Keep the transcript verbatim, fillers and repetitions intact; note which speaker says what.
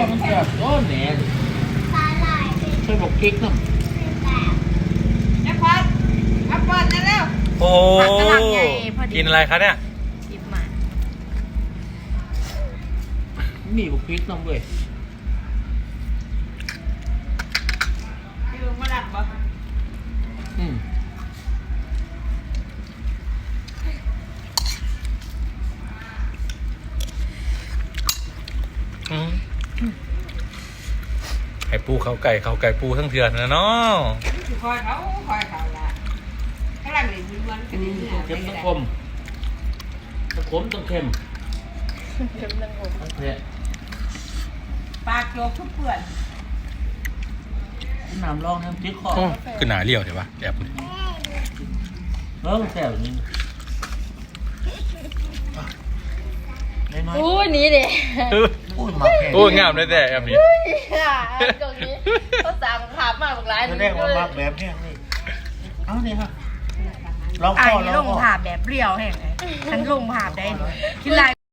Speaker 1: มันจะโอ้แหน่ใช่บอกกิ๊กเนาะ
Speaker 2: แอปเปิ้ลแอปเปิ้ลนั่นแล้ว
Speaker 3: โอ้กินอะไรคะเนี่ย
Speaker 2: หยิบมา
Speaker 1: มีบอกกิ๊กเนาะเว้ย
Speaker 2: พี่ลุงมาหลับบ่
Speaker 1: อืม
Speaker 3: อืมไข่ปูเขาไก่เขาไก่ปูทั้งเถื่อนนะเนาะ
Speaker 2: คอยเขาคอยเขาละกำลังเล่นม้วนกันนี่
Speaker 1: เค็มต้องคมต้องขมต้องเค็ม
Speaker 2: เค็มต้องคม
Speaker 1: ต้องเผ็ด
Speaker 2: ปากโจกทุกเปื่อน
Speaker 1: น้ำรองน้ำจิ้มคอ
Speaker 3: โอ้คือหนาเลี้ยวใช่ปะแอบเลย
Speaker 1: เออแซ่บนี่น้อย
Speaker 4: อู้นี้เด็
Speaker 1: ๆอุ้ยมาแค่
Speaker 3: โอ้งามเลยแต่แอบนี้
Speaker 4: ค่ะตรงนี้เขาสั่งภาพมาบอกร้าน
Speaker 1: แสดงว่ามาแบบเนี้ยนี่เอาเนี่ยฮะลอง
Speaker 2: ไอ้
Speaker 1: ข้อลอง
Speaker 2: ลง
Speaker 1: ข้อ
Speaker 2: ผ่าแบบเปรี้ยวแห้งไงฉันลงผ่าได้เลยคิดไร